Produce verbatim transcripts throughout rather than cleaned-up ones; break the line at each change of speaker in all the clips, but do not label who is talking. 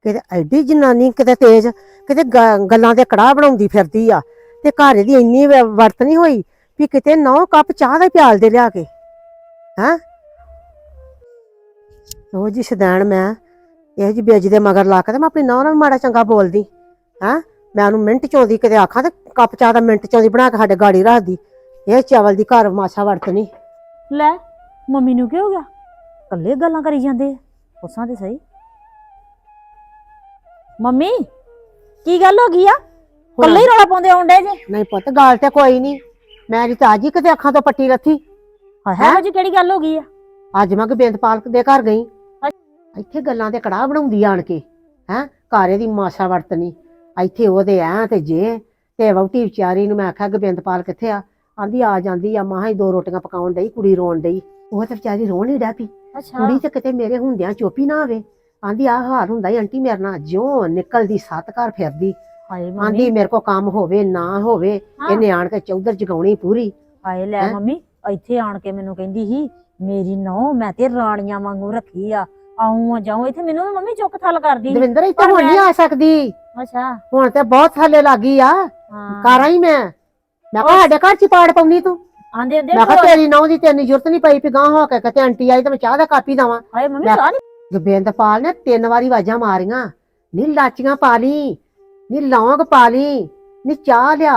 ਕਿਤੇ ਐਡੀ ਜਨਾਨੀ ਕਿਤੇ ਤੇਜ਼ ਕਿਤੇ ਗੱਲਾਂ ਦੇ ਕੜਾਹ ਬਣਾਉਂਦੀ ਫਿਰਦੀ ਆ ਤੇ ਘਰ ਦੀ ਇੰਨੀ ਵਰਤ ਨਹੀਂ ਹੋਈ ਵੀ ਕਿਤੇ ਨੌ ਕੱਪ ਚਾਹ ਦੇ ਪਿਆਲ ਦੇ ਲਿਆ ਕੇ ਹੈਂ ਉਹ ਜੀ ਸ਼ਦੈਣ ਮੈਂ ਇਹ ਜੀ ਬੇਜ ਦੇ ਮਗਰ ਲਾ ਕੇ ਤੇ ਮੈਂ ਆਪਣੀ ਨੌਂ ਨਾਲ ਮਾੜਾ ਚੰਗਾ ਬੋਲਦੀ ਹੈਂ ਮੈਂ ਉਹਨੂੰ ਮਿੰਟ ਚੋਂਦੀ ਕਿਤੇ ਆਖਾਂ ਤੇ ਕੱਪ ਚਾਹ ਦਾ ਮਿੰਟ ਚੋਂਦੀ ਬਣਾ ਕੇ ਸਾਡੇ ਗਾੜੀ ਰੱਖਦੀ ਇਹ ਚਾਵਲ ਦੀ ਘਰ ਮਾਸਾ ਵਰਤਨੀ
ਲੈ ਮੰਮੀ ਨੂੰ ਕੀ ਹੋ ਗਿਆ ਕੱਲੇ ਗੱਲਾਂ ਕਰੀ ਜਾਂਦੇ ਪੁੱਛਾਂ ਤੇ ਸਹੀ ਮੰਮੀ ਕੀ ਗੱਲ ਹੋ ਗਈ ਆ ਕੱਲੇ ਹੀ ਰੌਲਾ ਪਾਉਂਦੇ ਆਉਂਦੇ ਜੇ
ਨਹੀਂ ਪੁੱਤ ਗੱਲ ਤੇ ਕੋਈ ਨਹੀਂ ਮੇਰੀ ਤਾਂ ਅੱਜ ਹੀ ਕਿਤੇ ਅੱਖਾਂ ਤੋਂ ਪੱਟੀ ਲੱਥੀ
ਹੈ ਜੀ ਕਿਹੜੀ ਗੱਲ ਹੋ ਗਈ ਆ
ਅੱਜ ਮੈਂ ਗੋਬਿੰਦਪਾਲ ਦੇ ਘਰ ਗਈ ਇੱਥੇ ਗੱਲਾਂ ਦੇ ਕੜਾਹ ਬਣਾਉਂਦੀ ਆਣ ਕੇ ਹੈਂ ਘਾਰੇ ਦੀ ਮਾਸਾ ਵਰਤਨੀ ਇੱਥੇ ਉਹਦੇ ਐ ਤੇ ਜੇ ਤੇ ਵਹੁਟੀ ਵਿਚਾਰੀ ਨੂੰ ਮੈਂ ਆਖਿਆ ਗੋਬਿੰਦਪਾਲ ਕਿੱਥੇ ਆ ਆਂਦੀ ਆ ਜਾਂਦੀ ਆ ਮਾਂ ਹੀ ਦੋ ਰੋਟੀਆਂ ਪਕਾਉਣ ਡਈ ਕੁੜੀ ਰੋਣ ਡਈ ਉਹ ਤੇ ਵਿਚਾਰੀ ਰੋਣ ਹੀ ਡੈ ਪਈ ਕੁੜੀ ਤੇ ਕਿਤੇ ਮੇਰੇ ਹੁੰਦਿਆਂ ਚੋਪੀ ਨਾ ਆਵੇ ਆਂਦੀ ਆ ਹਾਰ ਹੁੰਦਾ ਈ ਆਂਟੀ ਮੇਰੇ ਨਾਲ ਜਿਉਂ ਨਿਕਲਦੀ ਸੱਤ ਘਰ ਫਿਰਦੀ ਆਂਦੀ ਮੇਰੇ ਕੋ ਕੰਮ ਹੋਵੇ ਨਾ ਹੋਵੇ ਇਹਨੇ ਆਣ ਕੇ ਚੌਧਰ ਜਗਾਉਣੀ ਪੂਰੀ
ਹਾਏ ਲੈ ਮੰਮੀ ਇੱਥੇ ਆਣ ਕੇ ਮੈਨੂੰ ਕਹਿੰਦੀ ਸੀ ਮੇਰੀ ਨੌ ਮੈਂ ਤੇ ਰਾਣੀਆਂ ਵਾਂਗੂ ਰੱਖੀ ਆ ਆਉਂ ਜਾਉਂ ਇੱਥੇ ਮੈਨੂੰ ਮੰਮੀ ਚੁੱਕ ਥੱਲ ਕਰਦੀ
ਦਵਿੰਦਰ ਇੱਥੇ ਹੁਣ ਨਹੀਂ ਆ ਸਕਦੀ
ਅੱਛਾ ਹੁਣ
ਤੇ ਬਹੁਤ ਥੱਲੇ ਲੱਗੀ ਆ ਕਾਰਾਂ ਹੀ ਮੈਂ ਮੈਂ ਕਿਹਾ ਸਾਡੇ ਘਰ ਚ ਪਾੜ ਪਾਉਣੀ ਤੂੰ
ਆਂਦੇ ਆਂਦੇ
ਮੈਂ ਕਿਹਾ ਤੇਰੀ ਨੌ ਦੀ ਤੈਨੂੰ ਜ਼ਰੂਰਤ ਨਹੀਂ ਪਈ ਵੀ ਗਾਂ ਹੋ ਕੇ ਕਿਤੇ ਆਂਟੀ ਆਈ ਤੇ ਮੈਂ ਚਾਹ ਦਾ ਕਾਪੀ ਦਵਾਂ
ਹਾਏ ਮੰਮੀ ਚਾਹ
ਗੋਬਿੰਦਪਾਲ ਨੇ ਤਿੰਨ ਵਾਰੀ ਆਵਾਜ਼ਾਂ ਮਾਰੀਆਂ ਨੀ ਲਾਚੀਆਂ ਪਾ ਲਈ ਨੀ ਲੌਂਗ ਪਾ ਲਈ ਨੀ ਚਾਹ ਲਿਆ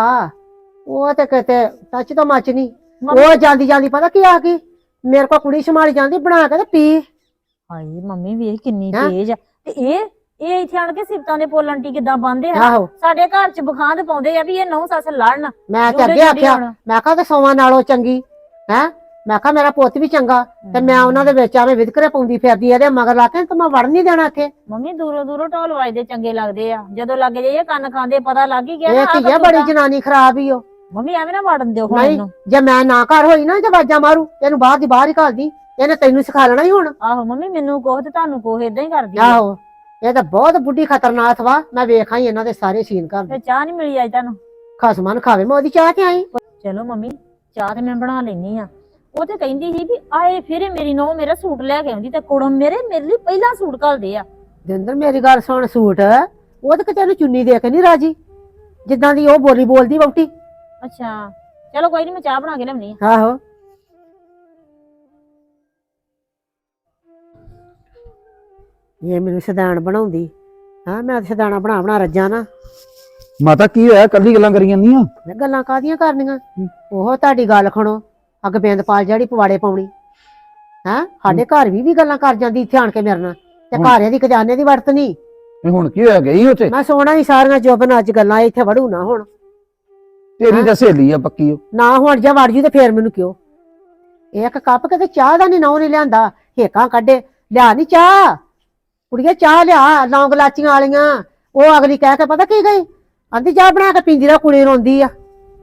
ਉਹ ਤੇ ਕਿਤੇ ਟੱਚ ਤੋਂ ਮੱਚ ਨਹੀਂ ਉਹ ਜਾਂਦੀ ਜਾਂਦੀ ਪਤਾ ਕੀ ਆ ਗਈ ਮੇਰੇ ਕੋਲ ਕੁੜੀ ਸੰਭਾਲੀ ਜਾਂਦੀ ਬਣਾ ਕੇ ਤੇ ਪੀ
ਹਾਏ ਮੰਮੀ ਵੇਖ ਕਿੰਨੀ ਤੇਜ਼ ਆ ਤੇ ਇਹ ਇਹ ਇੱਥੇ ਆਣ ਕੇ ਸਿਫਤਾਂ ਦੇ ਪੋਲ ਆਂਟੀ ਕਿੱਦਾਂ ਬੰਦੇ ਆ ਸਾਡੇ ਘਰ ਚ ਬਖਾਂਦ ਪਾਉਂਦੇ ਆ ਵੀ ਇਹ ਨੌ ਸੱਸ ਲੜਨ
ਮੈਂ ਤੇ ਅੱਗੇ ਆਖਿਆ ਮੈਂ ਕਿਹਾ ਤੇ ਸੌਵਾਂ ਨਾਲੋਂ ਚੰਗੀ ਹੈ ਮੈਂ ਕਿਹਾ ਮੇਰਾ ਪੁੱਤ ਵੀ ਚੰਗਾ ਤੇ ਮੈਂ ਉਹਨਾਂ ਦੇ ਵਿੱਚ ਆਵੇਂ ਵਿਦਕਰੇ ਪਾਉਂਦੀ ਫਿਰਦੀ ਇਹਦੇ ਮਗਰ ਲਾ ਕੇ ਤੇ ਮੈਂ ਵੜ ਨਹੀਂ ਦੇਣਾ ਇੱਥੇ
ਮੰਮੀ ਦੂਰੋਂ ਦੂਰੋਂ ਢੋਲ ਵੱਜਦੇ ਚੰਗੇ ਲੱਗਦੇ ਆ ਜਦੋਂ ਲੱਗ ਜਾਈਏ ਕੰਨ ਖਾਂਦੇ ਪਤਾ ਲੱਗ ਹੀ ਗਿਆ
ਇਹ ਧੀਆ ਬੜੀ ਜਨਾਨੀ ਖਰਾਬ ਹੀ ਉਹ
ਮੰਮੀ ਐਵੇਂ ਨਾ ਵੜਨ ਦਿਓ ਹੁਣ
ਇਹਨੂੰ ਜੇ ਮੈਂ ਨਾ ਘਰ ਹੋਈ ਨਾ ਤੇ ਆਵਾਜ਼ਾਂ ਮਾਰੂ ਇਹਨੂੰ ਬਾਹਰ ਦੀ ਬਾਹਰ ਹੀ ਘਾਲਦੀ ਇਹਨੇ ਤੈਨੂੰ ਸਿਖਾ ਲੈਣਾ ਹੀ ਹੁਣ
ਆਹੋ ਮੰਮੀ ਮੈਨੂੰ ਕੋਹ ਤੇ ਤੁਹਾਨੂੰ ਕੋਹ ਏਦਾਂ ਹੀ ਕਰਦੀ
ਆਹੋ ਇਹ ਤਾਂ ਬਹੁਤ ਬੁੱਢੀ ਖਤਰਨਾਕ ਵਾ ਮੈਂ ਵੇਖਾਂ ਹੀ ਇਹਨਾਂ ਦੇ ਸਾਰੇ ਸੀਨ ਕਰਦੇ
ਤੇ ਚਾਹ ਨਹੀਂ ਮਿਲੀ ਅੱਜ ਤੁਹਾਨੂੰ
ਖਸਮਾਨ ਖਾਵੇ ਮੈਂ ਉਹਦੀ ਚਾਹ ਤੇ ਆਈ
ਚਲੋ ਮੰਮੀ ਚਾਹ ਤੇ ਮੈਂ ਬਣਾ ਲੈਣੀ ਆ ਉਹ ਤੇ ਕਹਿੰਦੀ ਸੀ ਵੀ ਆਏ ਫਿਰ ਮੇਰੀ ਨੌ ਮੇਰਾ ਸੂਟ ਲੈ ਕੇ ਆਉਂਦੀ ਤੇ ਕੁੜਮ ਮੇਰੇ ਮੇਰੇ ਲਈ ਪਹਿਲਾਂ ਸੂਟ ਘੱਲਦੇ ਆ
ਦਿੰਦਰ ਮੇਰੀ ਗੱਲ ਸੁਣ ਸੂਟ ਉਹ ਤੇ ਕਿਤੇ ਨੂੰ ਚੁੰਨੀ ਦੇ ਕੇ ਨਹੀਂ ਰਾਜੀ ਜਿੱਦਾਂ ਦੀ ਉਹ ਬੋਲੀ ਬੋਲਦੀ ਵਹੁਟੀ
ਅੱਛਾ ਚਲੋ ਕੋਈ ਨਹੀਂ ਮੈਂ ਚਾਹ ਬਣਾ ਕੇ ਲਿਆਉਣੀ ਆ
ਆਹੋ ਇਹ ਮੈਨੂੰ ਸਦਾਨ ਬਣਾਉਂਦੀ ਹਾਂ ਮੈਂ ਸਦਾਨਾ ਬਣਾ ਬਣਾ ਰੱਜਾਂ ਨਾ
ਮਾਤਾ ਕੀ ਹੋਇਆ ਕੱਲੀ ਗੱਲਾਂ ਕਰੀ ਜਾਂਦੀਆਂ
ਮੈਂ ਗੱਲਾਂ ਕਾਹਦੀਆਂ ਕਰਨੀਆਂ ਉਹ ਤੁਹਾਡੀ ਗੱਲ ਖਣੋ ਅੱਗ ਬਿੰਦਪਾਲ ਜਿਹੜੀ ਪਵਾੜੇ ਪਾਉਣੀ ਹੈਂ ਸਾਡੇ ਘਰ ਵੀ ਵੀ ਗੱਲਾਂ ਕਰ ਜਾਂਦੀ ਇੱਥੇ ਆਣ ਕੇ ਮੇਰੇ ਨਾਲ ਤੇ ਘਰ ਦੀ ਖਜ਼ਾਨੇ ਦੀ ਵਰਤ ਨਹੀਂ
ਹੁਣ ਕੀ ਹੋਇਆ ਗਈ ਉੱਥੇ
ਮੈਂ ਸੋਣਾ ਹੀ ਸਾਰੀਆਂ ਜੋਬਨ ਅੱਜ ਗੱਲਾਂ ਇੱਥੇ ਵੜੂ ਨਾ ਹੁਣ
ਤੇਰੀ ਤਾਂ ਸਹੇਲੀ ਆ ਪੱਕੀ ਉਹ
ਨਾ ਹੁਣ ਜੇ ਵੜ ਜੂ ਤੇ ਫੇਰ ਮੈਨੂੰ ਕਿਉਂ ਇੱਕ ਕੱਪ ਕਿਤੇ ਚਾਹ ਦਾ ਨਹੀਂ ਨੌ ਨਹੀਂ ਲਿਆਂਦਾ ਹੇਕਾਂ ਕੱਢੇ ਲਿਆ ਨਹੀਂ ਚਾਹ ਕੁੜੀਏ ਚਾਹ ਲਿਆ ਲੌਂਗ ਲਾਚੀਆਂ ਵਾਲੀਆਂ ਉਹ ਅਗਲੀ ਕਹਿ ਕੇ ਪਤਾ ਕੀ ਗਈ ਆਂਦੀ ਚਾਹ ਬਣਾ ਕੇ ਪੀਂਦੀ ਰਾ ਕੁੜੀ ਰੋਂਦੀ ਆ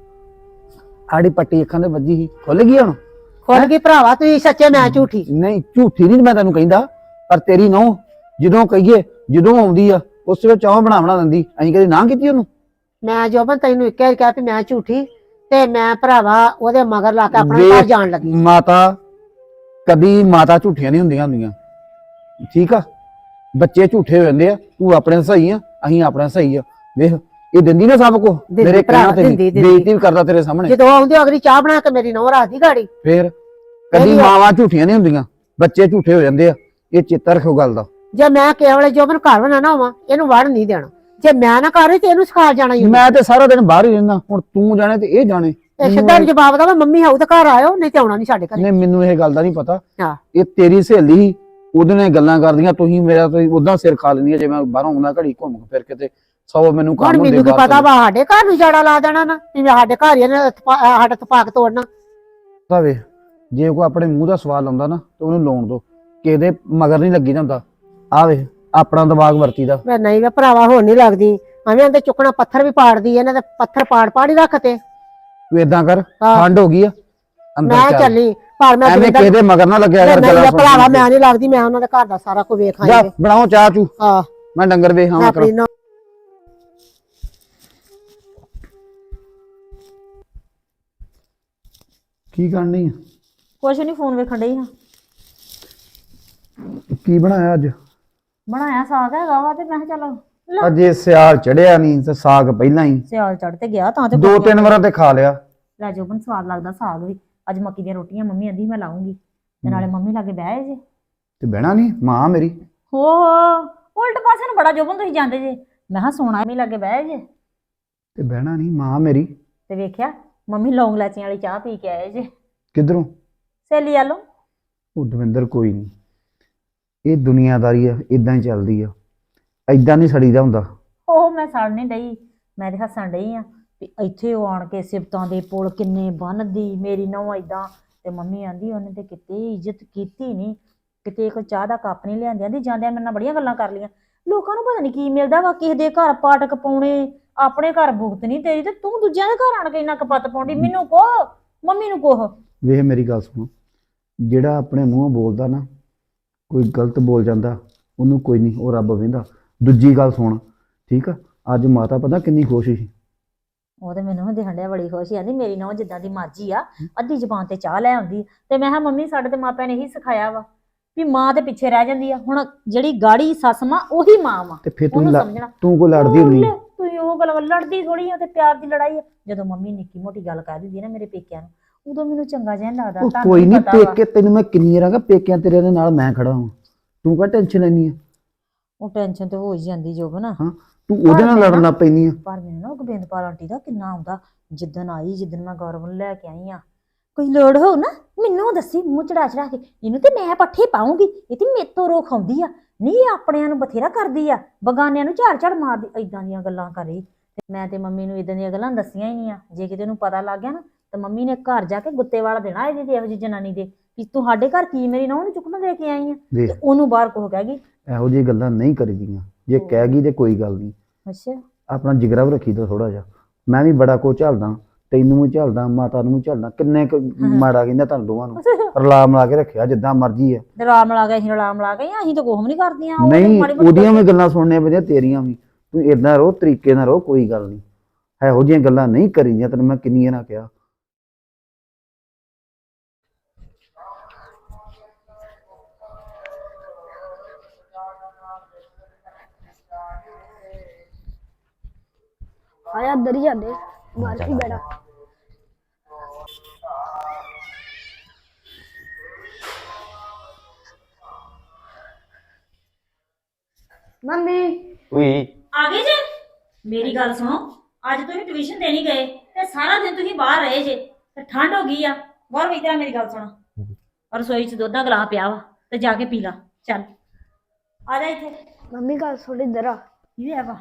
ਆੜੀ ਪੱਟੀ ਅੱਖਾਂ ਦੇ ਵੱਜੀ ਸੀ ਖੁੱਲ ਗਈ ਹੁਣ
ਖੁੱਲ ਗਈ ਭਰਾਵਾ ਤੂੰ ਸੱਚੇ ਮੈਂ ਝੂਠੀ
ਨਹੀਂ ਝੂਠੀ ਨਹੀਂ ਮੈਂ ਤੈਨੂੰ ਕਹਿੰਦਾ ਪਰ ਤੇਰੀ ਨੌ ਜਦੋਂ ਕਹੀਏ ਜਦੋਂ ਆਉਂਦੀ ਆ ਉਸ ਵੇਲੇ ਚਾਹ ਬਣਾ ਬਣਾ ਦਿੰਦੀ ਅਸੀਂ ਕਦੇ ਨਾ ਕੀਤੀ ਉਹਨੂੰ
ਮੈਂ ਜੋਬਨ ਤੈਨੂੰ ਇੱਕ ਵਾਰ ਕਿਹਾ ਵੀ ਮੈਂ ਝੂਠੀ ਤੇ ਮੈਂ ਭਰਾਵਾ ਉਹਦੇ ਮਗਰ ਲਾ ਕੇ ਆਪਣਾ ਘਰ ਜਾਣ ਲੱਗੀ
ਮਾਤਾ ਕਦੀ ਮਾਤਾ ਝੂਠੀਆਂ ਨਹੀਂ ਹੁੰਦੀਆਂ ਹੁੰਦੀਆਂ ਠੀਕ ਆ ਬੱਚੇ ਝੂਠੇ ਹੋ ਜਾਂਦੇ ਆ ਤੂੰ ਆਪਣੇ ਸਹੀ ਆ ਅਸੀਂ ਆਪਣੇ ਸਹੀ ਆ ਵੇਖ ਇਹ ਦਿੰਦੀ ਨਾ ਸਭ ਕੋ ਮੇਰੇ ਕਹਿਣਾ ਤੇ ਬੇਇੱਜ਼ਤੀ ਵੀ ਕਰਦਾ ਤੇਰੇ ਸਾਹਮਣੇ
ਜਦੋਂ ਆਉਂਦੀ ਅਗਲੀ ਚਾਹ ਬਣਾ ਕੇ ਮੇਰੀ ਨੌ ਰੱਖਦੀ ਗਾੜੀ
ਫੇਰ ਕਦੀ ਮਾਵਾਂ ਝੂਠੀਆਂ ਨਹੀਂ ਹੁੰਦੀਆਂ ਬੱਚੇ ਝੂਠੇ ਹੋ ਜਾਂਦੇ ਆ ਇਹ ਚੇਤਾ ਰੱਖੋ ਗੱਲ ਦਾ
ਜੇ ਮੈਂ ਕੇਵਲ ਜੋਬਨ ਘਰ ਬਣਾ ਨਾ ਹੋਵਾਂ ਇਹਨੂੰ ਵੜ ਨਹੀਂ ਦੇਣਾ ਜੇ ਮੈਂ ਨਾ ਕਰੇ ਤੇ ਇਹਨੂੰ ਸਿਖਾ ਜਾਣਾ ਹੀ
ਮੈਂ ਤੇ ਸਾਰਾ ਦਿਨ ਬਾਹਰ ਹੀ ਰਹਿੰਦਾ ਹੁਣ ਤੂੰ ਜਾਣੇ ਤੇ ਇਹ ਜਾਣੇ
ਇਹ ਸਿੱਧਾ ਜਵਾਬ ਦਾ ਮੰਮੀ ਹਾਊ ਤੇ ਘਰ ਆਇਓ ਨਹੀਂ ਤੇ ਆਉਣਾ ਨਹੀਂ ਸਾਡੇ ਘਰ
ਨਹੀਂ ਮੈਨੂੰ ਇਹ ਗੱਲ ਦਾ ਨਹੀਂ ਪਤਾ
ਹਾਂ
ਇਹ ਤੇਰੀ ਸਹੇਲੀ ਸੀ ਉਹਦੇ ਨਾਲ ਗੱਲਾਂ ਕਰਦੀਆਂ ਤੁਸੀਂ ਮੇਰਾ ਤੁਸੀਂ ਉਦਾਂ ਸਿਰ ਖਾ ਲੈਂਦੀ ਜੇ ਮੈਂ ਬਾਹਰੋਂ ਆਉਂਦਾ ਘੜੀ ਘੁੰਮ ਫਿਰ ਕਿਤੇ ਸੌ ਮੈਨੂੰ ਕੰਮ ਹੁੰਦੇ
ਮੈਨੂੰ ਕੀ ਪਤਾ ਵਾ ਸਾਡੇ ਘਰ ਨੂੰ ਜੜਾ ਲਾ ਦੇਣਾ ਨਾ ਜਿਵੇਂ ਸਾਡੇ ਘਰ ਹੀ ਇਹਨੇ ਸਾਡਾ ਤਪਾਕ ਤੋੜਨਾ
ਤਾਂ ਵੇ ਜੇ ਕੋਈ ਆਪਣੇ ਮੂੰਹ ਦਾ ਸਵਾਲ ਆਉਂਦਾ ਨਾ ਤੇ ਉਹਨੂੰ ਲਾਉਣ ਦੋ ਕਿਹਦੇ ਮਗਰ ਨਹੀਂ ਲੱਗੀ ਜਾਂਦਾ ਆ ਵੇ ਆਪਣਾ ਦਿਮਾਗ ਵਰਤੀਦਾ
ਵੇ ਨਹੀਂ ਵੇ ਭਰਾਵਾ ਹੁਣ ਨਹੀਂ ਲੱਗਦੀ ਐਵੇਂ ਇਹਦੇ ਚੁੱਕਣਾ ਪੱਥਰ ਵੀ ਪਾੜਦੀ ਇਹਨਾਂ ਦੇ ਪੱਥਰ ਪਾੜ ਪਾੜੀ ਰੱਖਤੇ
ਤੂੰ ਏਦਾਂ ਕਰ ਠੰਡ ਹੋ ਗਈ ਆ
ਮੈਂ ਚੱਲੀ ਪਰ ਮੈਂ
ਐਵੇਂ ਕਿਹਦੇ ਮਗਰ ਨਾ ਲੱਗਿਆ ਕਰ
ਨਹੀਂ ਭਰਾਵਾ ਮੈਂ ਨਹੀਂ ਲੱਗਦੀ ਮੈਂ ਉਹਨਾਂ ਦੇ ਘਰ ਦਾ ਸਾਰਾ ਕੁਝ ਵੇਖ ਆਈ
ਬਣਾਓ ਚਾਹ ਚੂ
ਹਾਂ
ਮੈਂ ਡੰਗਰ ਵੇਖ ਆਵਾਂ ਕਰ ਕੀ ਕਰਨੀ ਆ
ਕੁਛ ਨਹੀਂ ਫੋਨ ਵੇਖਣ ਡਈ ਹਾਂ
ਕੀ ਬਣਾਇਆ ਅੱਜ
ਬਣਾਇਆ ਸਾਗ ਹੈਗਾ ਵਾ ਤੇ ਮੈਂ ਕਿਹਾ ਚੱਲ ਲੈ
ਅਜੇ ਸਿਆਲ ਚੜਿਆ ਨਹੀਂ ਤੇ ਸਾਗ ਪਹਿਲਾਂ ਹੀ
ਸਿਆਲ ਚੜ ਤੇ ਗਿਆ ਤਾਂ ਤੇ
ਦੋ ਤਿੰਨ ਵਾਰਾਂ ਤੇ ਖਾ ਲਿਆ।
ਲੈ ਜੋਬਨ ਸਵਾਦ ਲੱਗਦਾ ਸਾਗ ਵੀ। ਅੱਜ ਮੱਕੀ ਦੀਆਂ ਰੋਟੀਆਂ ਮੰਮੀ ਆਂਦੀ ਮੈਂ ਲਾਉਂਗੀ ਤੇ ਨਾਲੇ ਮੰਮੀ ਲਾਗੇ ਬਹਿ ਜੇ।
ਤੇ ਬਹਿਣਾ ਨਹੀਂ ਮਾਂ ਮੇਰੀ।
ਹੋ ਉਲਟ ਪਾਸੇ ਨੂੰ ਬੜਾ ਜੋਬਨ ਤੁਸੀਂ ਜਾਂਦੇ ਜੇ। ਮੈਂ ਕਿਹਾ ਸੋਣਾ ਮੰਮੀ ਲਾਗੇ ਬਹਿ ਜੇ
ਤੇ ਬਹਿਣਾ ਨਹੀਂ ਮਾਂ ਮੇਰੀ।
ਤੇ ਵੇਖਿਆ ਮੰਮੀ ਲੌਂਗ ਲਾਚੀਆਂ ਵਾਲੀ ਚਾਹ ਪੀ ਕੇ ਆਏ ਜੇ।
ਕਿੱਧਰੋਂ?
ਸਹੇਲੀ ਆਲੋ।
ਉਹ ਦਵਿੰਦਰ ਕੋਈ ਨਹੀਂ, ਇਹ ਦੁਨੀਆਦਾਰੀ ਆ, ਇਦਾਂ ਹੀ ਚੱਲਦੀ ਆ, ਇਦਾਂ ਨਹੀਂ ਸੜੀਦਾ ਹੁੰਦਾ।
ਉਹ ਮੈਂ ਸੜ ਨਹੀਂ ਡਈ, ਮੈਂ ਤੇ ਹੱਸਣ ਡਈ ਆ ਵੀ ਇੱਥੇ ਉਹ ਆਣ ਕੇ ਸਿਫਤਾਂ ਦੇ ਪੁਲ ਕਿੰਨੇ ਬੰਨਦੀ ਮੇਰੀ ਨਹੁੰ ਏਦਾਂ। ਤੇ ਮੰਮੀ ਆਂਦੀ ਉਹਨੇ ਤੇ ਕਿਤੇ ਇੱਜ਼ਤ ਕੀਤੀ ਨਹੀਂ, ਕਿਤੇ ਇੱਕ ਚਾਹ ਦਾ ਕੱਪ ਨਹੀਂ ਲਿਆਂਦੀ। ਆਂਦੀ ਜਾਂਦਿਆਂ ਮੇਰੇ ਨਾਲ ਬੜੀਆਂ ਗੱਲਾਂ ਕਰ ਲਈਆਂ। ਲੋਕਾਂ ਨੂੰ ਪਤਾ ਨਹੀਂ ਕੀ ਮਿਲਦਾ ਵਾ, ਕਿਸੇ ਦੇ ਘਰ ਪਾਟਕ ਪਾਉਣੇ, ਆਪਣੇ ਘਰ ਭੁਗਤ ਨਹੀਂ ਤੇਰੀ, ਤੇ ਤੂੰ ਦੂਜਿਆਂ ਦੇ ਘਰ ਆਣ ਕੇ ਇੰਨਾ ਕਪੱਤ ਪਾਉਂਦੀ। ਮੈਨੂੰ ਕੋਹ ਮੰਮੀ ਨੂੰ ਕੋਹ।
ਵੇਖ ਮੇਰੀ ਗੱਲ ਸੁਣ, ਜਿਹੜਾ ਆਪਣੇ ਮੂੰਹੋਂ ਬੋਲਦਾ ਨਾ, ਕੋਈ ਗਲਤ ਬੋਲ ਜਾਂਦਾ ਉਹਨੂੰ ਕੋਈ ਨਹੀਂ, ਉਹ ਰੱਬ ਵੇਂਦਾ। ਦੂਜੀ ਗੱਲ ਸੁਣ ਠੀਕ ਆ, ਅੱਜ ਮਾਤਾ ਪਤਾ ਕਿੰਨੀ ਖੁਸ਼ ਸੀ।
ਉਹ ਤੇ ਮੈਨੂੰ ਹੁੰਦੀ ਹੰਡਿਆ ਬੜੀ ਖੁਸ਼ ਆਂਦੀ ਮੇਰੀ ਨਹੁੰ ਜਿੱਦਾਂ ਦੀ ਮਰਜ਼ੀ ਆ ਅੱਧੀ ਜ਼ਬਾਨ ਤੇ ਚਾਹ ਲੈ ਆਉਂਦੀ। ਤੇ ਮੈਂ ਕਿਹਾ ਮੰਮੀ ਸਾਡੇ ਤੇ ਮਾਪਿਆਂ ਨੇ ਇਹੀ ਸਿਖਾਇਆ ਵਾ ਵੀ ਮਾਂ ਤੇ ਪਿੱਛੇ ਰਹਿ ਜਾਂਦੀ ਆ। ਹੁਣ ਜਿਹੜੀ ਗਾੜੀ ਸੱਸ ਮਾਂ ਉਹੀ ਮਾਂ ਵਾ,
ਤੇ ਫਿਰ ਤੂੰ
ਉਹਨੂੰ
ਲ-
ਸਮਝਣਾ।
ਤੂੰ ਕੋ ਲੜਦੀ ਹੁੰਦੀ?
ਤੂੰ ਉਹ ਗੱਲ ਲੜਦੀ ਥੋੜੀ ਆ, ਤੇ ਪਿਆਰ ਦੀ ਲੜਾਈ ਆ। ਜਦੋਂ ਮੰਮੀ ਨਿੱਕੀ ਮੋਟੀ ਗੱਲ ਕਹਿ ਦਿੰਦੀ ਨਾ ਮੇਰੇ ਪੇਕਿਆਂ ਨੂੰ, ਉਦੋਂ ਮੈਨੂੰ ਚੰਗਾ ਜਿਹਾ ਨੀ ਲੱਗਦਾ।
ਉਹ
ਤੁਹਾਨੂੰ
ਕੋਈ
ਵੀ
ਨਹੀਂ,
ਪਤਾ ਵਾ।
ਪੇਕੇ ਤੈਨੂੰ ਮੈਂ ਕਿੰਨੀ ਵਾਰ ਕਹਾਂ ਪੇਕਿਆਂ ਤੇਰੇ ਦੇ ਨਾਲ ਮੈਂ ਖੜਾ ਹਾਂ, ਤੂੰ ਕਾ ਟੈਨਸ਼ਨ ਲੈਣੀ ਆ?
ਉਹ ਟੈਨਸ਼ਨ ਤੇ ਹੋ ਹੀ ਜਾਂਦੀ ਜੋਬਨ।
ਹਾਂ ਤੂੰ ਉਹਦੇ ਨਾਲ ਲੜਨ ਲੱਗ ਪੈਂਦੀ ਆ।
ਪਰ ਮੈਨੂੰ ਨਾ ਉਹ ਗੋਬਿੰਦਪਾਲ ਆਂਟੀ ਦਾ ਕਿੰਨਾ ਆਉਂਦਾ। ਜਿੱਦਣ ਆਈ, ਜਿੱਦਣ ਮੈਂ ਗੌਰਵ ਨੂੰ ਲੈ ਕੇ ਆਈ ਆ, ਕੋਈ ਲੋੜ ਹੋਊ ਨਾ ਮੈਨੂੰ ਦੱਸੀ, ਮੂੰਹ ਚੜਾ ਚੜਾ ਕੇ ਇਹਨੂੰ ਤੇ ਮੈਂ ਪੱਠੇ ਪਾਉਂਗੀ, ਇਹ ਤੇ ਮੇਰੇ ਤੋਂ ਰੋ ਖਾਉਂਦੀ ਆ। ਨਹੀਂ ਇਹ ਆਪਣਿਆਂ ਨੂੰ ਬਥੇਰਾ ਕਰਦੀ ਆ, ਬਗਾਨਿਆਂ ਨੂੰ ਝਾੜ ਝਾੜ ਮਾਰਦੀ। ਏਦਾਂ ਦੀਆਂ ਗੱਲਾਂ ਕਰੇ। ਤੇ ਮੈਂ ਤੇ ਮੰਮੀ ਨੂੰ ਇਦਾਂ ਦੀਆਂ ਗੱਲਾਂ ਦੱਸੀਆਂ ਹੀ ਨਹੀਂ ਆ। ਜੇ ਕਿਤੇ ਉਹਨੂੰ ਪਤਾ ਲੱਗ ਗਿਆ ਨਾ ਤਾਂ ਮੰਮੀ ਨੇ ਘਰ ਜਾ ਕੇ ਗੁੱਤੇ ਵਾਲਾ ਦੇਣਾ ਇਹਦੀ ਤੇ ਇਹੋ ਜਿਹੀ ਜਨਾਨੀ ਦੇ ਵੀ ਤੂੰ ਸਾਡੇ ਘਰ ਕੀ ਮੇਰੀ ਨਹੁੰ ਨੂੰ ਚੁੱਕਣਾ ਦੇ ਕੇ ਆਈ ਆ। ਤੇ ਉਹਨੂੰ ਬਾਹਰ ਕੋਹ ਕਹਿ ਗਈ
ਇਹੋ ਜਿਹੀ ਗੱਲਾਂ ਨਹੀਂ ਕਰੀਦੀਆਂ। ਜੇ ਕਹਿ ਗਈ ਤੇ ਕੋਈ ਗੱਲ ਨਹੀਂ,
ਅੱਛਾ
ਆਪਣਾ ਜਿਗਰਾ ਵੀ ਰੱਖੀ ਦਾ ਥੋੜਾ ਜਿਹਾ। ਮੈਂ ਵੀ ਬੜਾ ਕੁਝ ਝੱਲਦਾ, ਤੈਨੂੰ ਵੀ ਝੱਲਦਾ, ਮਾਤਾ ਨੂੰ ਵੀ ਝੱਲਦਾ। ਕਿੰਨੇ ਕੁ ਮਾੜਾ ਕਹਿੰਦਾ ਤੁਹਾਨੂੰ ਦੋਵਾਂ ਨੂੰ, ਰਲਾ ਮਿਲਾ ਕੇ ਰੱਖਿਆ ਜਿੱਦਾਂ ਮਰਜ਼ੀ ਆ।
ਰਾਮ ਲਾ ਗਏ ਅਸੀਂ ਰਾਮ ਲਾ ਗਏ ਅਸੀਂ ਤਾਂ ਕੁਛ ਵੀ ਨਹੀਂ ਕਰਦੀਆਂ। ਉਹ
ਨਹੀਂ
ਮਾੜੀ ਮੋਟੀ
ਉਹਦੀਆਂ ਵੀ ਗੱਲਾਂ ਸੁਣਨੀਆਂ ਪੈਂਦੀਆਂ, ਤੇਰੀਆਂ ਵੀ। ਤੂੰ ਏਦਾਂ ਰਹੋ, ਤਰੀਕੇ ਨਾਲ ਰਹੋ, ਕੋਈ ਗੱਲ ਨਹੀਂ। ਇਹੋ ਜਿਹੀਆਂ ਗੱਲਾਂ ਨਹੀਂ ਕਰੀਦੀਆਂ, ਤੈਨੂੰ ਮੈਂ ਕਿੰਨੀਆਂ ਨਾ ਕਿਹਾ।
ਆਇਆ ਅੰਦਰ ਹੀ ਜਾਂਦੇ ਬਾਹਰ ਕੀ ਬੈਠਾ। ਮੰਮੀ
ਉਈ
ਆ ਗਏ ਜੇ। ਮੇਰੀ ਗੱਲ ਸੁਣੋ, ਅੱਜ ਤੁਸੀਂ ਟਿਊਸ਼ਨ ਦੇਣੀ ਗਏ ਤੇ ਸਾਰਾ ਦਿਨ ਤੁਸੀਂ ਬਾਹਰ ਰਹੇ ਜੇ ਤੇ ਠੰਡ ਹੋ ਗਈ ਆ। ਗੌਰ ਵੀ ਤੇਰਾ ਮੇਰੀ ਗੱਲ ਸੁਣ, ਰਸੋਈ 'ਚ ਦੁੱਧ ਦਾ ਗਲਾਸ ਪਿਆ ਵਾ ਤੇ ਜਾ ਕੇ ਪੀ ਲਾ। ਚੱਲ ਆ ਜਾ ਇੱਥੇ।
ਮੰਮੀ ਗੱਲ ਥੋੜੀ ਇਧਰ ਆ।
ਇਹ ਆ ਵਾ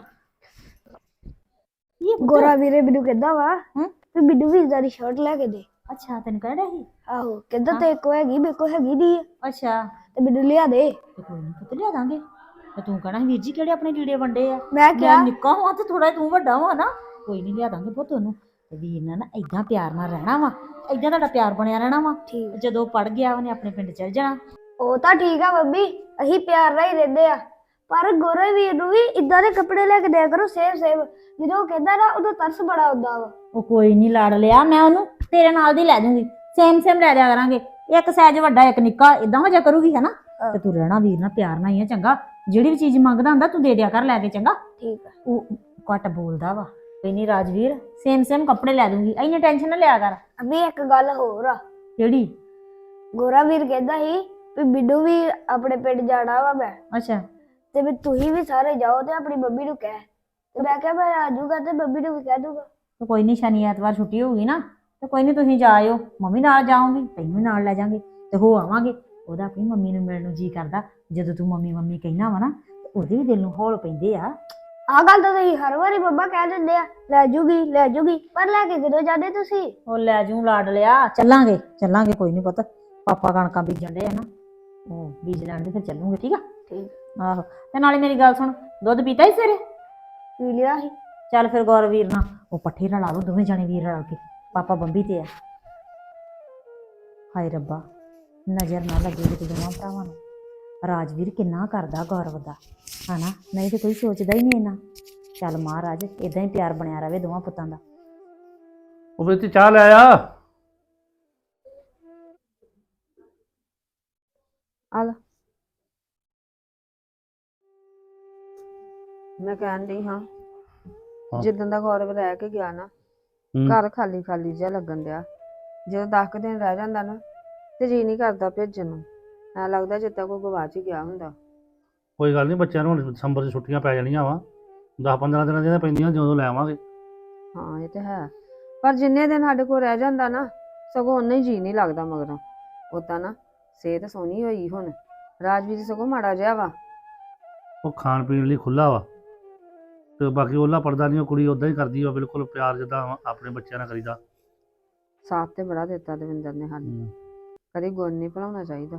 ਇਹ ਪੁੱਤ।
ਗੋਰਾ ਵੀਰੇ ਮੈਨੂੰ ਕਹਿੰਦਾ ਵਾ
ਹੂੰ?
ਤੇ ਮੈਨੂੰ ਵੀ ਇਦਾਂ ਦੀ ਸ਼ਰਟ ਲੈ ਕੇ ਦੇ।
ਅੱਛਾ ਤੈਨੂੰ ਕਹਿ ਰਿਹਾ ਸੀ?
ਆਹੋ ਕਹਿੰਦਾ ਤੇ ਕੋ ਹੈਗੀ ਮੇਰੇ ਕੋ ਹੈਗੀ ਨਹੀਂ ਆ,
ਅੱਛਾ
ਤੇ ਮੈਨੂੰ ਲਿਆ ਦੇ।
ਤੇ ਕੋਈ ਨਹੀਂ ਪੁੱਤ ਲਿਆ ਦਾਂਗੇ। ਤੇ ਤੂੰ ਕਹਿਣਾ ਵੀਰ ਜੀ ਕਿਹੜੇ ਆਪਣੇ ਲੀੜੇ ਵੰਡੇ ਆ।
ਮੈਂ ਕਿਹਾ
ਮੈਂ ਨਿੱਕਾ ਹਾਂ ਤੇ ਥੋੜਾ ਤੂੰ ਵੱਡਾ ਵਾ ਨਾ, ਕੋਈ ਨਹੀਂ ਲਿਆ ਦਾਂਗੇ ਪੁੱਤ ਉਹਨੂੰ। ਤੇ ਵੀਰ ਨਾਲ ਨਾ ਏਦਾਂ ਪਿਆਰ ਨਾਲ ਰਹਿਣਾ ਵਾ, ਏਦਾਂ ਤੁਹਾਡਾ ਪਿਆਰ ਬਣਿਆ ਰਹਿਣਾ ਵਾ।
ਠੀਕ।
ਜਦੋਂ ਪੜ ਗਿਆ ਉਹਨੇ ਆਪਣੇ ਪਿੰਡ ਚਲ ਜਾਣਾ।
ਉਹ ਤਾਂ ਠੀਕ ਆ ਮੰਮੀ, ਅਸੀਂ ਪਿਆਰ ਨਾਲ ਹੀ ਰਹਿੰਦੇ ਆ। ਪਰ ਗੋਰੇ ਵੀਰ ਨੂੰ ਵੀ ਇਦਾਂ ਦੇ ਕੱਪੜੇ ਲੈ ਕੇ ਦਿਆ ਕਰੋ ਸੇਵ ਸੇਵ। ਜਦੋਂ ਉਹ ਕਹਿੰਦਾ ਨਾ ਉਦੋਂ ਤਰਸ ਬੜਾ ਆਉਂਦਾ ਵਾ।
ਉਹ ਕੋਈ ਨਹੀਂ ਲੜ ਲਿਆ, ਮੈਂ ਉਹਨੂੰ ਤੇਰੇ ਨਾਲ ਦੀ ਲੈ ਦੂੰਗੀ। ਸੇਮ ਸੇਮ ਲੈ ਦਿਆ ਕਰਾਂਗੇ, ਇੱਕ ਸਾਈਜ਼ ਵੱਡਾ ਇੱਕ ਨਿੱਕਾ, ਇਦਾਂ ਹੋ ਜਾ ਕਰੂਗੀ ਹੈ ਨਾ। ਤੇ ਤੂੰ ਰਹਿਣਾ ਵੀਰ ਨਾਲ ਪਿਆਰ ਨਾਲ ਹੀ ਆ ਚੰਗਾ। ਜਿਹੜੀ ਵੀ ਚੀਜ਼ ਮੰਗਦਾ ਹੁੰਦਾ ਤੂੰ ਦੇ ਦਿਆ ਕਰ ਲੈ ਕੇ ਚੰਗਾ।
ਠੀਕ ਆ।
ਉਹ ਘੱਟ ਬੋਲਦਾ ਵਾ। ਕੋਈ ਨਹੀਂ ਰਾਜਵੀਰ, ਸੇਮ ਸੇਮ ਕੱਪੜੇ ਲੈ ਦੂੰਗੀ, ਇੰਨੀ ਟੈਨਸ਼ਨ ਨਾ ਲਿਆ ਕਰ।
ਅਭੀ ਇੱਕ ਗੱਲ ਹੋਰ ਆ।
ਕਿਹੜੀ?
ਗੋਰਾ ਵੀਰ ਕਹਿੰਦਾ ਸੀ ਵੀ ਬਿੱਡੂ ਵੀ ਆਪਣੇ ਪਿੰਡ ਜਾਣਾ ਵਾ ਮੈਂ,
ਅੱਛਾ
ਤੇ ਵੀ ਤੁਸੀਂ ਵੀ ਸਾਰੇ ਜਾਓ ਤੇ ਆਪਣੀ ਮੰਮੀ ਨੂੰ ਕਹਿ। ਤੇ ਮੈਂ ਕਿਹਾ ਮੈਂ ਆ ਜਾਊਗਾ ਤੇ ਮੰਮੀ ਨੂੰ ਵੀ ਕਹਿ ਦੂੰਗਾ।
ਤੇ ਕੋਈ ਨਹੀਂ, ਸ਼ਨੀ ਐਤਵਾਰ ਛੁੱਟੀ ਹੋਊਗੀ ਨਾ ਤੇ ਕੋਈ ਨਹੀਂ ਤੁਸੀਂ ਜਾ ਆਇਓ। ਮੰਮੀ ਨਾਲ ਜਾਊਂਗੀ, ਤੈਨੂੰ ਵੀ ਨਾਲ ਲੈ ਜਾਾਂਗੇ ਤੇ ਹੋ ਆਵਾਂਗੇ। ਉਹਦਾ ਆਪਣੀ ਮੰਮੀ ਨੂੰ ਮਿਲਣ ਨੂੰ ਜੀ ਕਰਦਾ। ਜਦੋਂ ਤੂੰ ਮੰਮੀ ਮੰਮੀ ਕਹਿਣਾ ਵਾ ਨਾ ਉਹਦੇ ਵੀ ਦਿਲ ਨੂੰ ਹੌਲ ਪੈਂਦੇ ਆ।
ਆਹ ਗੱਲ ਤਾਂ ਤੁਸੀਂ ਹਰ ਵਾਰੀ ਮੰਮਾ ਕਹਿ ਦਿੰਦੇ ਆ, ਲੈ ਜੂਗੀ ਲੈ ਜੂਗੀ, ਪਰ ਲੈ ਕੇ ਕਿਦੋਂ ਜਾਂਦੇ ਤੁਸੀਂ?
ਉਹ ਲੈ ਜੂ ਲਾਡ ਲਿਆ। ਚੱਲਾਂਗੇ ਚੱਲਾਂਗੇ ਕੋਈ ਨਹੀਂ ਪੁੱਤ, ਪਾਪਾ ਕਣਕਾਂ ਬੀਜਣ ਦੇ ਆ ਨਾ, ਉਹ ਬੀਜ ਲੈਣ ਦੇ ਫਿਰ ਚੱਲੂਗੇ। ਠੀਕ ਆ?
ਠੀਕ।
ਆਹੋ ਤੇ ਨਾਲੇ ਮੇਰੀ ਗੱਲ ਸੁਣ, ਦੁੱਧ ਪੀਤਾ ਹੀ ਸਵੇਰੇ?
ਪੀ ਲਿਆ ਸੀ।
ਚੱਲ ਫਿਰ ਗੌਰ ਵੀਰ ਨਾਲ ਉਹ ਪੱਠੇ ਰਲਾ ਲਓ ਦੋਵੇਂ ਜਾਣੇ ਵੀਰ ਰਲ ਕੇ। ਪਾਪਾ ਬੰਬੀ ਤੇ ਆ। ਹਾਏ ਰੱਬਾ, ਨਜ਼ਰ ਨਾ ਲੱਗੇ ਕਿਤੇ ਦੋਵਾਂ ਭਰਾਵਾਂ ਨੂੰ। ਰਾਜਵੀਰ ਕਿੰਨਾ ਕਰਦਾ ਗੌਰਵ ਦਾ ਹਨਾ, ਨਹੀਂ ਤੇ ਕੋਈ ਸੋਚਦਾ ਹੀ ਨਹੀਂ ਇਹਨਾਂ। ਚੱਲ ਮਹਾਰਾਜ ਇਦਾਂ ਹੀ ਪਿਆਰ ਬਣਿਆ ਰਵੇ ਦੋਵਾਂ ਪੁੱਤਾਂ ਦਾ।
ਉਹ ਵਿੱਚ ਚਾਹ ਲੈ ਆ।
ਆ ਲੈ।
ਮੈਂ ਕਹਿਣ ਡਈ ਹਾਂ
ਹਾਂ।
ਜਿੱਦਾਂ ਦਾ ਗੌਰਵ ਰਹਿ ਕੇ ਗਿਆ ਨਾ
ਹੂੰ।
ਘਰ ਖਾਲੀ ਖਾਲੀ ਜਿਹਾ ਲੱਗਣ ਡਿਆ। ਜਦੋਂ ਦਸ ਕੁ ਦਿਨ ਰਹਿ ਜਾਂਦਾ ਨਾ ਤੇ ਜੀ ਨਹੀਂ ਕਰਦਾ ਭੇਜਣ ਨੂੰ। ਐ ਲੱਗਦਾ ਜਿੱਦਾਂ ਕੋਈ ਗਵਾਚ ਹੀ ਗਿਆ ਹੁੰਦਾ।
ਕੋਈ ਗੱਲ ਨਹੀਂ, ਬੱਚਿਆਂ ਨੂੰ ਹੁਣ ਦਸੰਬਰ 'ਚ ਛੁੱਟੀਆਂ ਪੈ ਜਾਣੀਆਂ ਵਾ ਦਸ ਪੰਦਰਾਂ ਦਿਨਾਂ ਦੀਆਂ ਤਾਂ ਪੈਂਦੀਆਂ, ਜਦੋਂ ਲੈ ਆਵਾਂਗੇ।
ਹਾਂ ਇਹ ਤੇ ਹੈ, ਪਰ ਜਿੰਨੇ ਦਿਨ ਸਾਡੇ ਕੋਲ ਰਹਿ ਜਾਂਦਾ ਨਾ ਸਗੋਂ ਓਨਾ ਹੀ ਜੀ ਨਹੀਂ ਲੱਗਦਾ ਮਗਰੋਂ। ਉਦਾਂ ਨਾ ਸਿਹਤ ਸੋਹਣੀ ਹੋਈ ਹੁਣ, ਰਾਜਵੀਰ ਸਗੋਂ ਮਾੜਾ ਜਿਹਾ ਵਾ।
ਉਹ ਖਾਣ ਪੀਣ ਲਈ ਖੁੱਲਾ ਵਾ, ਤੇ ਬਾਕੀ ਉਹਲਾ ਪੜਦਾ ਨਹੀਂ, ਉਹ ਕੁੜੀ ਉਦਾਂ ਹੀ ਕਰਦੀ ਵਾ, ਬਿਲਕੁਲ ਪਿਆਰ ਜਿੱਦਾਂ ਆਪਣੇ ਬੱਚਿਆਂ ਨਾਲ ਕਰੀਦਾ।
ਸਾਥ ਤੇ ਬੜਾ ਦਿੱਤਾ ਦਵਿੰਦਰ ਨੇ ਸਾਨੂੰ,
ਹੂੰ।
ਕਦੀ ਗੁਣ ਨਹੀਂ ਭੁਲਾਉਣਾ ਚਾਹੀਦਾ।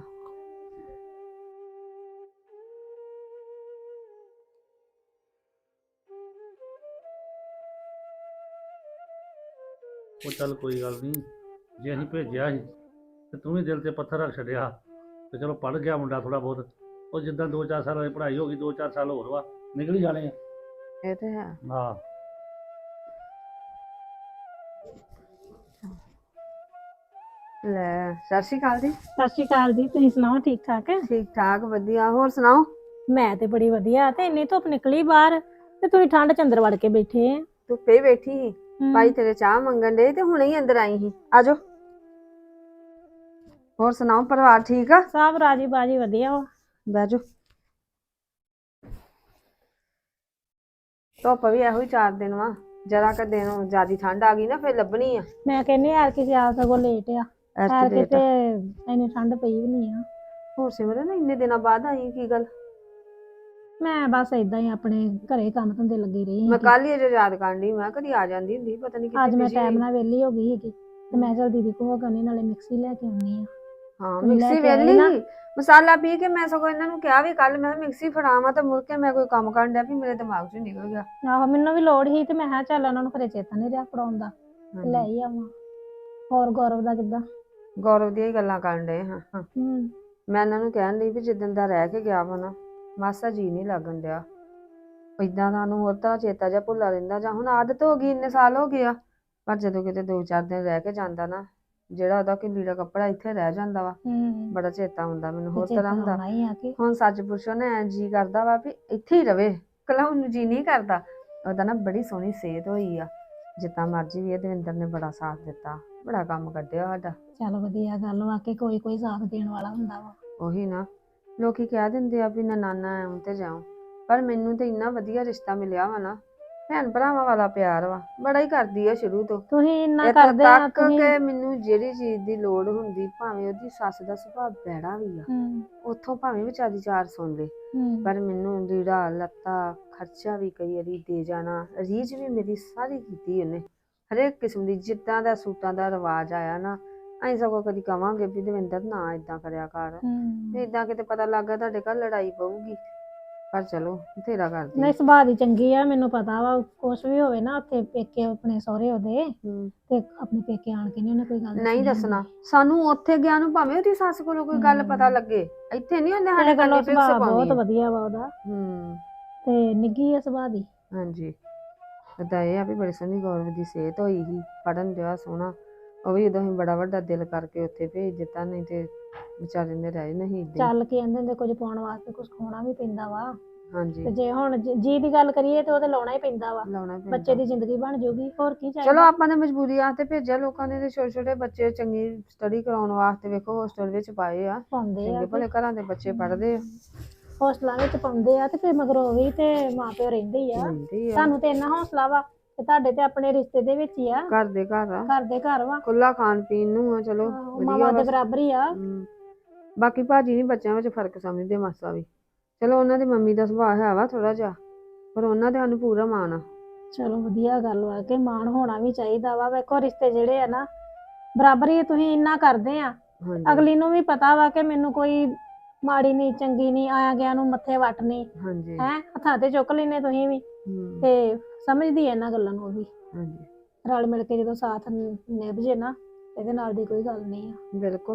ਉਹ ਚੱਲ ਕੋਈ ਗੱਲ ਨਹੀਂ, ਜੇ ਅਸੀਂ ਭੇਜਿਆ ਸੀ ਤੇ ਤੂੰ ਵੀ ਦਿਲ ਤੇ ਪੱਥਰ ਰੱਖ ਛੱਡਿਆ ਤੇ ਚਲੋ ਪੜ ਗਿਆ ਮੁੰਡਾ ਥੋੜਾ ਬਹੁਤ। ਉਹ ਜਿੱਦਾਂ ਦੋ ਚਾਰ ਸਾਲ ਦੀ ਪੜ੍ਹਾਈ ਹੋ ਗਈ, ਦੋ ਚਾਰ ਸਾਲ ਹੋਰ ਵਾ, ਨਿਕਲ ਹੀ ਜਾਣੇ ਆ।
ਇਹ ਤੇ ਹੈ।
ਹਾਂ।
ਲੈ ਸਤਿ ਸ਼੍ਰੀ ਅਕਾਲ ਜੀ।
ਸਤਿ ਸ਼੍ਰੀ ਅਕਾਲ ਜੀ, ਤੁਸੀਂ ਸੁਣਾਓ ਠੀਕ ਠਾਕ?
ਠੀਕ ਠਾਕ ਵਧੀਆ, ਹੋਰ ਸੁਣਾਓ?
ਮੈਂ ਤੇ ਬੜੀ ਵਧੀਆ, ਤੇ ਇੰਨੀ ਧੁੱਪ ਨਿਕਲੀ ਬਾਹਰ ਤੇ ਤੁਸੀਂ ਠੰਡ ਚ ਅੰਦਰ ਵੜ ਕੇ ਬੈਠੇ ਆ।
ਧੁੱਪੇ ਹੀ ਬੈਠੀ ਸੀ,
ਹਮ,
ਭਾਈ ਤੇਰੇ ਚਾਹ ਮੰਗਣ ਦੇ ਤੇ ਹੁਣੇ ਹੀ ਅੰਦਰ ਆਈ ਸੀ। ਆਜੋ। ਹੋਰ ਸੁਣਾਓ, ਪਰਿਵਾਰ ਠੀਕ ਆ?
ਸਭ ਰਾਜੀ ਬਾਜੀ ਵਧੀਆ ਵਾ।
ਬਹਿ ਜਾਓ। ਧੁੱਪ ਵੀ ਇਹੋ ਹੀ ਚਾਰ ਦਿਨ ਵਾ, ਜਰਾ ਕ ਦਿਨ ਜਿਆਦੀ ਠੰਡ ਆ ਗਈ ਨਾ ਫਿਰ ਲੱਭਣੀ ਆ।
ਮੈਂ ਕਹਿੰਨੀ ਯਾਰ ਕਿਸੇ ਆ ਸਗੋਂ ਲੇਟ ਆ,
ਐਤਕੀ
ਯਾਰ
late
ਕਿਤੇ
ਆ।
ਇੰਨੀ ਠੰਡ ਪਈ ਵੀ ਨਹੀਂ ਆ।
ਹੋਰ ਸਿਮਰਨ ਇੰਨੇ ਦਿਨਾਂ ਬਾਅਦ ਆਈ, ਕੀ ਗੱਲ?
ਮੈਂ ਬਸ ਏਦਾਂ ਹੀ ਆਪਣੇ ਘਰੇ ਕੰਮ ਧੰਦੇ ਲੱਗੀ ਰਹੀ
ਮੈਂ
ਸੀਗੀ।
ਕੱਲ ਹੀ ਅਜੇ ਯਾਦ ਕਰਨ ਡਈ, ਮੈਂ ਕਦੀ ਆ ਜਾਂਦੀ ਹੁੰਦੀ, ਪਤਾ ਨਹੀਂ
ਅੱਜ
ਕਿੱਥੇ
ਮੈਂ
busy
ਟਾਈਮ
ਹੋਈ।
ਨਾਲ ਵਿਹਲੀ ਹੋ ਗਈ ਸੀਗੀ ਤੇ ਮੈਂ ਚਲ ਦੀਦੀ ਕੋਲ ਕਰਨੀ, ਨਾਲੇ ਮਿਕਸੀ ਲੈ ਕੇ ਆਉਣੀ ਆ।
ਹਾਂ
ਤੁਸੀਂ ਲੈ
ਮਿਕਸੀ
ਕੇ ਆਏ
ਵੇਲੀ
ਨਾ?
ਮਸਾਲਾ ਪੀ ਕੇ ਮੈਂ ਸਗੋਂ ਇਹਨਾਂ ਨੂੰ ਕਿਹਾ ਵੀ ਕੱਲ ਮੈਂ ਮਿਕਸੀ ਫੜਾਵਾਂ, ਤੇ ਮੁੜ ਕੇ ਮੈਂ ਕੋਈ ਕੰਮ ਕਰਨ ਡਿਆ ਵੀ ਮੇਰੇ ਦਿਮਾਗ 'ਚੋਂ ਨਿਕਲ ਗਿਆ।
ਆਹੋ ਮੈਨੂੰ ਵੀ ਲੋੜ ਸੀ ਤੇ ਮੈਂ ਕਿਹਾ ਚੱਲ ਉਹਨਾਂ ਨੂੰ ਘਰੇ ਚੇਤਾ ਨਹੀਂ ਰਿਹਾ ਫੜਾਉਣ ਦਾ, ਤੇ ਲੈ
ਹਾਂਜੀ।
ਹੀ ਆਵਾਂ। ਹੋਰ ਗੌਰਵ ਦਾ ਕਿੱਦਾਂ?
ਗੌਰਵ ਦੀਆਂ ਹੀ ਗੱਲਾਂ ਕਰਨ ਡਏ ਹਾਂ ਹਾਂ।
ਹੂੰ।
ਮੈਂ ਇਹਨਾਂ ਨੂੰ ਕਹਿਣ ਲਈ ਵੀ ਜਿੱਦਣ ਦਾ ਰਹਿ ਕੇ ਗਿਆ ਵਾ ਨਾ ਮਾਸਾ ਜੀ ਨਹੀਂ ਲੱਗਣ ਡਿਆ। ਏਦਾਂ ਦਾ ਨੂੰ ਹੋਰ ਤਰ੍ਹਾਂ ਚੇਤਾ ਜਿਹਾ ਭੁੱਲਾ ਰਹਿੰਦਾ, ਜਾਂ ਹੁਣ ਆਦਤ ਹੋ ਗਈ, ਇੰਨੇ ਸਾਲ ਹੋ ਗਏ ਆ। ਪਰ ਜਦੋਂ ਕਿਤੇ ਦੋ ਚਾਰ ਦਿਨ ਰਹਿ ਕੇ ਜਾਂਦਾ ਨਾ, ਜਿਹੜਾ ਉਹਦਾ ਕਿ ਲੀੜਾ ਕੱਪੜਾ ਇੱਥੇ ਰਹਿ ਜਾਂਦਾ ਵਾ,
ਹੂੰ।
ਬੜਾ ਚੇਤਾ ਹੁੰਦਾ ਮੈਨੂੰ, ਹੋਰ
ਤੇ
ਤਰ੍ਹਾਂ
ਚੇਤਾ
ਹੁੰਦਾ।
ਆਉਣਾ ਹੀ ਆ ਕਿ
ਹੁਣ ਸੱਚ ਪੁੱਛੋ ਨਾ ਐਂ ਜੀ ਕਰਦਾ ਵਾ ਵੀ ਇੱਥੇ ਹੀ ਰਵੇ, ਕਲਾਉਣ ਨੂੰ ਜੀ ਨਹੀਂ ਕਰਦਾ। ਉਹਦਾ ਨਾ ਬੜੀ ਸੋਹਣੀ ਸਿਹਤ ਹੋਈ ਆ, ਜਿੱਦਾਂ ਮਰਜ਼ੀ ਵੀ ਇਹ ਦਵਿੰਦਰ ਨੇ ਬੜਾ ਸਾਥ ਦਿੱਤਾ, ਬੜਾ ਕੰਮ ਕੱਢਿਆ ਸਾਡਾ।
ਚੱਲ ਵਧੀਆ ਗੱਲ ਵਾ ਕਿ ਕੋਈ ਕੋਈ ਸਾਥ ਦੇਣ ਵਾਲਾ ਹੁੰਦਾ ਵਾ।
ਉਹੀ ਨਾ, ਲੋਕੀ ਕਹਿ ਦਿੰਦੇ ਆ ਵੀ ਨਨਾਨਾ ਐਉਂ ਤੇ ਜਾਉਂ, ਪਰ ਮੈਨੂੰ ਤੇ ਇੰਨਾ ਵਧੀਆ ਰਿਸ਼ਤਾ ਮਿਲਿਆ ਵਾ ਨਾ, ਭੈਣ ਭਰਾਵਾਂ ਵਾਲਾ ਪਿਆਰ ਵਾ, ਬੜਾ ਹੀ ਕਰਦੀ ਆ ਸ਼ੁਰੂ ਤੋਂ।
ਤੁਸੀਂ ਇੰਨਾ
ਇੱਥੋਂ
ਕਰਦੇ ਆ
ਤੱਕ
ਤੁਸੀਂ।
ਕਿ ਮੈਨੂੰ ਜਿਹੜੀ ਚੀਜ਼ ਦੀ ਲੋੜ ਹੁੰਦੀ, ਭਾਵੇਂ ਉਹਦੀ ਸੱਸ ਦਾ ਸੁਭਾਅ ਬੈੜਾ ਵੀ ਆ,
ਹੂੰ
ਉੱਥੋਂ ਭਾਵੇਂ ਵਿਚਾਰੀ ਚਾਰ ਸੁਣ ਲੇ,
ਹੂੰ
ਪਰ ਮੈਨੂੰ ਲੀੜਾ ਲੱਤਾ ਖਰਚਾ ਵੀ ਕਈ ਵਾਰੀ ਦੇ ਜਾਣਾ, ਰੀਝ ਵੀ ਮੇਰੀ ਸਾਰੀ ਕੀਤੀ ਉਹਨੇ, ਹਰੇਕ ਕਿਸਮ ਦੀ। ਜਿੱਦਾਂ ਦਾ ਸੂਟਾਂ ਦਾ ਰਿਵਾਜ ਆਇਆ ਨਾ, ਅਸੀਂ ਸਗੋਂ ਕਦੀ ਕਵਾਂਗੇ ਵੀ ਦਵਿੰਦਰ ਨਾ ਇਦਾਂ ਕਰਿਆ ਕਰ,
ਹੂੰ।
ਇਦਾਂ ਕਿਤੇ ਪਤਾ ਲੱਗ ਗਿਆ ਤੁਹਾਡੇ ਘਰ ਲੜਾਈ ਪਊਗੀ। ਪਰ ਚਲੋ ਬਥੇਰਾ ਕਰਦੀ।
ਨਹੀਂ ਸੁਭਾਅ ਦੀ ਚੰਗੀ ਆ, ਮੈਨੂੰ ਪਤਾ ਵਾ। ਕੁਛ ਵੀ ਹੋਵੇ ਨਾ ਉੱਥੇ ਪੇਕੇ ਆਪਣੇ ਸਹੁਰੇ ਉਹਦੇ,
ਹੂੰ।
ਤੇ ਆਪਣੇ ਪੇਕੇ ਆਣ ਕੇ ਨਹੀਂ ਉਹਨੇ ਕੋਈ ਗੱਲ
ਨਹੀਂ
ਦੱਸਣੀ
ਦੱਸਣਾ
ਹੁੰਦੀ।
ਸਾਨੂੰ, ਉੱਥੇ ਗਿਆ ਨੂੰ ਭਾਵੇਂ ਉਹਦੀ ਸੱਸ ਕੋਲੋਂ ਕੋਈ ਗੱਲ ਪਤਾ
ਹੂੰ।
ਲੱਗੇ, ਇੱਥੇ ਨਹੀਂ ਉਹਨੇ
ਤੇ
ਸਾਡੇ
ਗੱਲੋਂ
ਕੰਨੀ ਫਿਕਸ
ਸੁਭਾਅ
ਪਾਉਣੀ
ਬਹੁਤ
ਆ।
ਵਧੀਆ ਵਾ ਉਹਦਾ,
ਹੂੰ।
ਤੇ ਨਿੱਘੀ ਆ ਸੁਭਾਅ ਦੀ।
ਹਾਂਜੀ। ਏਦਾਂ ਇਹ ਆ ਵੀ ਬੜੀ ਸੋਹਣੀ ਗੌਰਵ ਦੀ ਸਿਹਤ ਹੋਈ ਸੀ, ਪੜਨ ਦਿਆ ਸੋਹਣਾ। ਉਹ ਵੀ ਉਦੋਂ ਹੀ ਬੜਾ ਵੱਡਾ ਦਿਲ ਕਰਕੇ ਉੱਥੇ ਭੇਜ ਦਿੱਤਾ, ਨਹੀਂ ਤੇ ਵਿਚਾਰੇ ਨੇ ਰਹਿ ਨਹੀਂ ਏਦਾਂ ਹੀ।
ਚੱਲ ਕੇ ਕਹਿੰਦੇ ਹੁੰਦੇ ਕੁਝ ਪਾਉਣ ਵਾਸਤੇ ਕੁਝ ਖੋਣਾ ਵੀ ਪੈਂਦਾ ਵਾ,
ਹਾਂਜੀ
ਤੇ ਜੇ ਹੁਣ ਜ- ਜੀ ਦੀ ਗੱਲ ਕਰੀਏ ਤੇ ਉਹ ਤੇ ਲਾਉਣਾ ਹੀ ਪੈਂਦਾ ਵਾ।
ਲਾਉਣਾ ਪੈਂਦਾ।
ਬੱਚੇ ਦੀ ਜ਼ਿੰਦਗੀ ਬਣ ਜਾਊਗੀ, ਹੋਰ ਕੀ
ਚਲੋ
ਚਾਹੀਦਾ।
ਆਪਾਂ ਨੇ ਮਜਬੂਰੀ ਆਸਤੇ ਭੇਜਿਆ, ਲੋਕਾਂ ਨੇ ਤੇ ਛੋਟੇ ਛੋਟੇ ਬੱਚੇ ਚੰਗੀ ਸਟੱਡੀ ਕਰਾਉਣ ਵਾਸਤੇ ਵੇਖੋ ਹੋਸਟਲ ਵਿੱਚ ਪਾਏ ਆ,
ਪਾਉਂਦੇ ਆ
ਚੰਗੇ ਭਲੇ ਘਰਾਂ ਦੇ ਬੱਚੇ ਪੜ੍ਹਦੇ ਆ।
ਹੌਸਲਾ ਵਿੱਚ ਪਾਉਂਦੇ ਆ, ਤੇ ਫਿਰ ਮਗਰੋਂ ਵੀ ਤੇ ਮਾਂ ਪਿਓ ਰਹਿੰਦੇ ਹੀ ਆ।
ਰਹਿੰਦੇ ਆ
ਤੁਹਾਨੂੰ ਤੇ ਇੰਨਾ ਹੌਸਲਾ ਵਾ ਤੇ ਤੁਹਾਡੇ ਤੇ ਆਪਣੇ ਰਿਸ਼ਤੇ ਦੇ ਵਿੱਚ ਹੀ ਆ,
ਘਰ ਦੇ ਘਰ ਆ,
ਘਰ ਦੇ ਘਰ ਵਾ।
ਖੁੱਲਾ ਖਾਣ ਪੀਣ ਨੂੰ ਆ, ਚਲੋ
ਆਹੋ,
ਵਧੀਆ
ਮਾਵਾਂ ਦੇ
ਬਸ।
ਬਰਾਬਰ ਹੀ ਆ।
ਹਮ, ਬਾਕੀ ਭਾਜੀ ਨਹੀਂ ਬੱਚਿਆਂ ਵਿੱਚ ਫਰਕ ਸਮਝਦੇ ਮਾਸਾ ਵੀ। ਚਲੋ ਉਹਨਾਂ ਦੀ ਮੰਮੀ ਦਾ ਸੁਭਾਅ ਹੈ ਵਾ ਥੋੜਾ ਜਿਹਾ, ਪਰ ਉਹਨਾਂ ਦੇ ਸਾਨੂੰ ਪੂਰਾ ਮਾਣ ਆ।
ਚਲੋ ਵਧੀਆ ਗੱਲ ਵਾ ਕਿ ਮਾਣ ਹੋਣਾ ਵੀ ਚਾਹੀਦਾ ਵਾ। ਵੇਖੋ ਰਿਸ਼ਤੇ ਜਿਹੜੇ ਆ ਨਾ ਬਰਾਬਰ ਹੀ ਤੁਸੀਂ ਇੰਨਾ ਕਰਦੇ ਆ,
ਹਾਂਜੀ
ਅਗਲੀ ਨੂੰ ਵੀ ਪਤਾ ਵਾ ਕਿ ਮੈਨੂੰ ਕੋਈ ਮਾੜੀ ਨਹੀਂ ਚੰਗੀ ਨਹੀਂ, ਆਇਆ ਗਿਆ ਨੂੰ ਮੱਥੇ ਵੱਟ ਨਹੀਂ
ਹਾਂਜੀ
ਹੈ, ਹੱਥਾਂ ਤੇ ਚੁੱਕ ਲੈਨੇ ਤੁਸੀਂ ਵੀ,
ਹਮ,
ਤੇ ਸਮਝਦੀ ਐ ਇਹਨਾਂ ਗੱਲਾਂ ਨੂੰ ਉਹ ਵੀ।
ਹਾਂਜੀ
ਰਲ ਮਿਲ ਕੇ ਜਦੋਂ ਸਾਥ ਨ- ਨਿਭ ਜੇ ਨਾ, ਇਹਦੇ ਨਾਲ ਦੀ ਕੋਈ ਗੱਲ ਨਹੀਂ ਆ।
ਬਿਲਕੁਲ।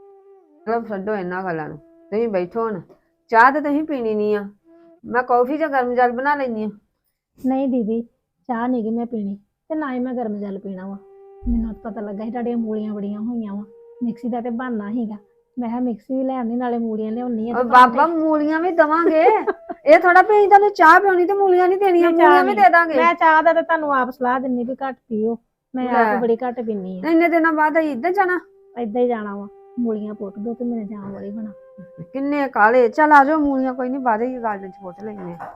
ਚਲੋ ਛੱਡੋ ਇਹਨਾਂ ਗੱਲਾਂ ਨੂੰ, ਤੁਸੀਂ ਬੈਠੋ ਹੁਣ। ਚਾਹ ਤੇ ਤੁਸੀਂ ਪੀਣੀ ਨਹੀਂ ਆ, ਮੈਂ ਕੌਫੀ ਜਾਂ ਗਰਮ ਜਲ ਬਣਾ ਲੈਂਦੀ ਆ।
ਨਹੀਂ ਦੀਦੀ, ਚਾਹ ਨਹੀਂ ਗੀ ਮੈਂ ਪੀਣੀ, ਤੇ ਨਾ ਹੀ ਮੈਂ ਗਰਮ ਜਲ ਪੀਣਾ ਵਾ। ਮੈਨੂੰ ਤਾਂ ਪਤਾ ਲੱਗਾ ਸੀ ਤੁਹਾਡੀਆਂ ਮੂਲੀਆਂ ਬੜੀਆਂ ਹੋਈਆਂ ਵਾ, ਮਿਕਸੀ ਦਾ ਤੇ ਬਹਾਨਾ ਸੀਗਾ ਮੈਂ ਕਿਹਾ ਮਿਕਸੀ ਵੀ ਲੈਣੀ ਨਾਲੇ ਮੂਲੀਆਂ ਲਿਆਉਣੀ ਆ
ਔਰ ਬਾਬਾ ਮੂਲੀਆਂ ਵੀ ਦਵਾਂਗੇ ਇਹ ਥੋੜਾ ਵੀ ਅਸੀਂ ਤੁਹਾਨੂੰ ਚਾਹ ਪਿਉਣੀ ਤੇ ਮੂਲੀਆਂ ਨਹੀਂ ਦੇਣੀਆਂ,
ਨਹੀਂ, ਚਾਹ
ਮੂਲੀਆਂ ਵੀ
ਨਹੀਂ।
ਦੇ ਦਾਂਗੇ।
ਮੈਂ ਚਾਹ ਦਾ ਤੇ ਤੁਹਾਨੂੰ ਆਪ ਸਲਾਹ ਦਿੰਨੀ ਵੀ ਘੱਟ ਪੀਓ, ਮੈਂ
ਲੈ।
ਆਪ ਬੜੀ ਘੱਟ ਪੀਨੀ ਆ।
ਇੰਨੇ ਦਿਨਾਂ ਬਾਅਦ ਅਸੀਂ ਇੱਧਰ ਜਾਣਾ,
ਏਦਾਂ ਹੀ ਜਾਣਾ ਵਾ, ਮੂਲੀਆਂ ਪੁੱਟ ਦੋ ਤੇ ਮੇਰੇ ਜਾਣ ਵਾਲੀ ਬਣਾ।
ਕਿੰਨੇ ਕਾਲੇ। ਚੱਲ ਆ ਜਾਓ, ਮੂਲੀਆਂ ਕੋਈ ਨਹੀਂ ਬਾਅਦ ਹੀ ਗਾਰਡਨ ਚ ਪੁੱਟ ਲੈਣੇ।